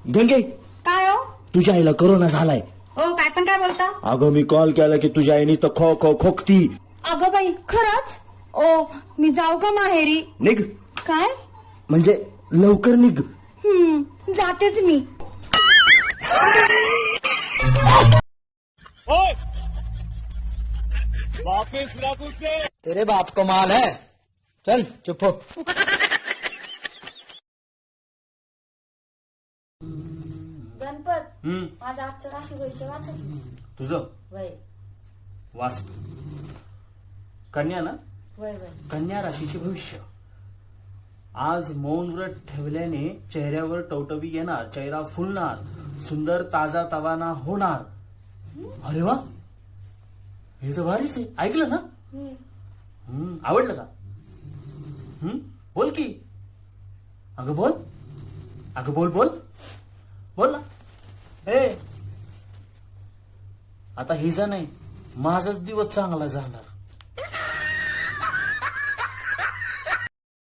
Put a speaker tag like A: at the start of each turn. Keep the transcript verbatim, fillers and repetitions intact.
A: गंगे,
B: काय हो
A: तुझ्या आईला कोरोना झालाय.
B: ओ काय पण काय बोलता.
A: अगं मी कॉल केला की तुझ्या आईनी तर खो खो खोकती.
B: अगं बाई खरंच. ओ मी जाऊ का माहेरी.
A: निघ
B: काय
A: म्हणजे लवकर निघ.
B: हम्म जातेच मी.
C: वापिस लागू से
A: तेरे बाप को माल है. चल चुप हो.
B: गणपत
C: हम्म
B: माझा आजचं राशी भविष्य वाचा.
C: तुझं
B: वय
C: वास कन्या ना.
B: वय वय
C: कन्या राशीचे भविष्य. आज मौन व्रत ठेवल्याने चेहऱ्यावर टवटवी येणार, चेहरा फुलणार, सुंदर ताजा तवाना होणार. अरे वा, हे तर भारीच आहे. ऐकलं ना. हम्म आवडलं का. हम्म बोल की. अगं बोल, अगं बोल बोल बोल ना. ए आता हिजा नाही, माझाच दिवस चांगला जाणार.